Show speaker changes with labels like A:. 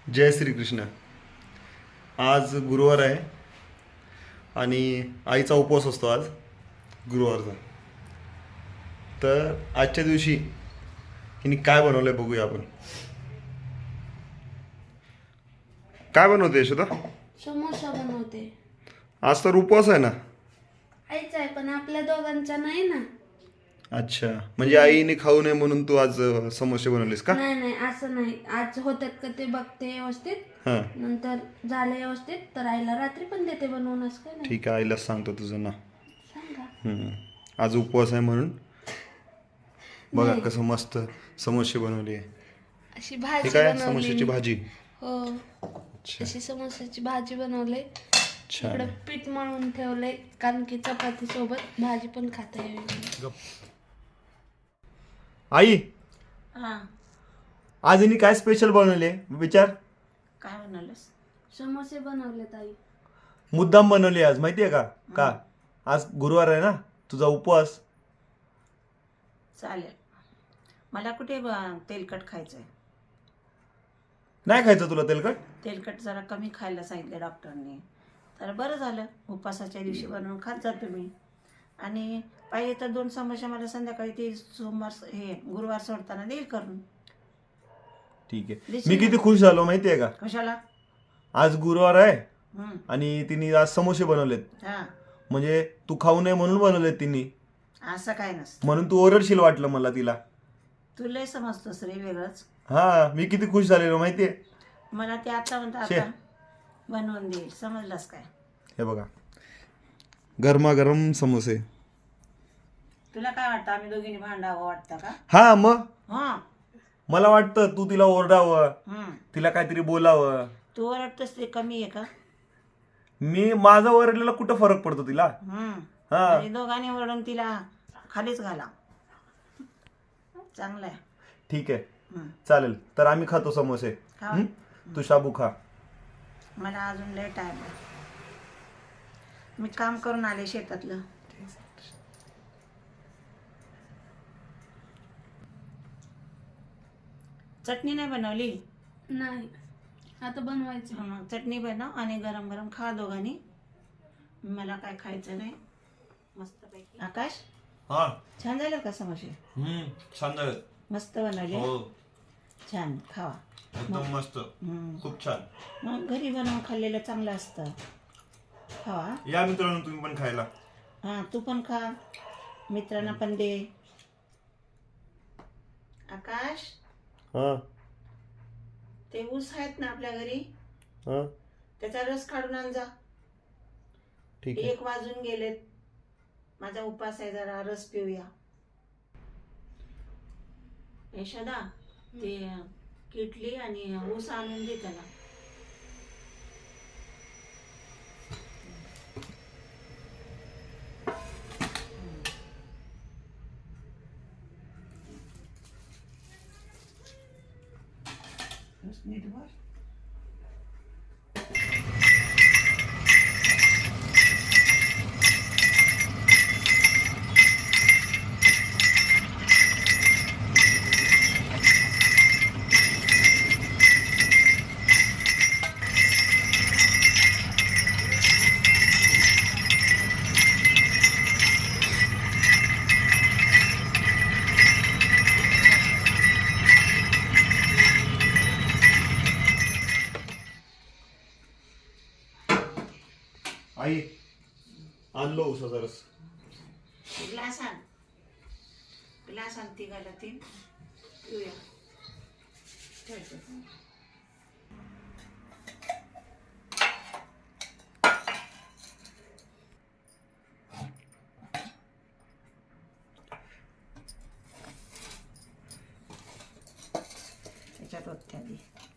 A: जय श्रीकृष्ण. आज गुरुवार आहे आणि आईचा उपवास असतो आज गुरुवारचा. तर आजच्या दिवशी हिने काय बनवलंय बघूया आपण. काय बनवते यशोदा?
B: समोसा बनवते.
A: आज तर उपवास आहे ना.
B: आईचा आहे पण आपल्या दोघांचा नाही ना.
A: अच्छा, म्हणजे आईने खाऊ नये म्हणून तू आज समोसे बनवलेस का?
B: नाही नाही असं नाही. आज होतात का ते बघते व्यवस्थित,
A: हां,
B: नंतर झालं व्यवस्थित तर आईला रात्री पण देते बनवून. असं काय नाही.
A: ठीक आहे, आईलाच सांगतो तुझं ना.
B: सांगा.
A: आज उपवास आहे म्हणून बघा
B: नाही.
A: कसं मस्त समोसे बनवले.
B: अशी
A: हे
B: भाजी
A: काय
B: बनवली.
A: समोसेची भाजी?
B: हो,
A: अच्छा
B: अशी समोसाची भाजी बनवली.
A: छान.
B: इकडे पीठ मळून ठेवलंय कारण की चपाती सोबत भाजी पण खाता येईल.
A: आई,
C: हा,
A: आज हिने काय स्पेशल बनवले विचार.
C: काय म्हणालस?
B: समोसे बनवलेत आई.
A: मुद्दाम बनवली आज, माहितीये का? का आज गुरुवार आहे ना, तुझा उपवास.
C: चालेल. मला कुठे तेलकट खायचंय.
A: नाही खायचं तुला तेलकट?
C: तेलकट जरा कमी खायला सांगितलं डॉक्टरने. तर बरं झालं, उपवासाच्या दिवशी बनवून खात जातो मी. आणि पाहिजे तर 2 समोसे मला संध्याकाळी ते गुरुवार सोडताना देईल करून.
A: ठीक आहे.
C: देशील
A: मी
C: ना?
A: किती खुश झालो माहितीये का?
C: कशाला?
A: आज गुरुवार आहे
C: हम्म.
A: आणि तिने आज समोसे बनवलेत.
C: हा,
A: म्हणजे तू खाऊ नये म्हणून बनवलेत तिने.
C: असं काय नसतं.
A: म्हणून तू ओरडशील वाटलं मला तिला.
C: तू लय समजतोस रे वेगळंच.
A: हा, मी किती खुश झालेलो माहितीये.
C: मला ते आता म्हणता
A: शे.
C: आता बनवून देईल. समजलास काय?
A: हे बघा, गरमागरम समोसे.
C: तुला काय वाटतं, आम्ही दोघींनी भांडावं वाटतं का?
A: हा मग
C: हा.
A: मला वाटतं तू तिला ओरडावं,
C: हम्म.
A: तिला काहीतरी बोलावं.
C: तू ओरडतोस ते कमी आहे का?
A: मी माझा ओरडलेला कुठं फरक पडतो तिला? हा.
C: आणि दोघांनी ओरडून तिला खालीच घाला. चांगलं आहे.
A: ठीक आहे, चालेल. तर आम्ही खातो समोसे.
C: खा.
A: हं? तू शाबू खा.
C: मला अजून लय टाइम आहे. मी काम करून आले शेतातलं. चटणी नाही बनवली?
B: नाही, आता बनवायचं.
C: मग चटणी बनव आणि गरम गरम खा दोघांनी. मला काय खायचं नाही. मस्तपैकी. आकाश,
A: हा.
C: छान झालं का समोसे?
A: छान झालं.
C: मस्त बनवले. छान, खावा.
A: एकदम मस्त. खूप छान.
C: मग घरी बनवून खाल्लेलं चांगलं असतं. खावा.
A: या मित्रांनो, तुम्ही पण खायला.
C: हां, तू पण खा. मित्रांना पण दे. आकाश,
A: हा,
C: ते ऊस आहेत ना आपल्या घरी,
A: हा,
C: त्याचा रस काढून आण जा.
A: ठीक आहे.
C: 1 वाजून गेलेत. माझा उपास आहे, जरा रस पिऊया. यशोदा, ते किटली आणि ऊस आणून दे त्याला. नीट भर.
A: आई, आणलो उसाचा रस.
C: ग्लास आण. ग्लास आण, तिघाला 3 पिऊया. ठेवतो. त्याच्यात ओत्या दे.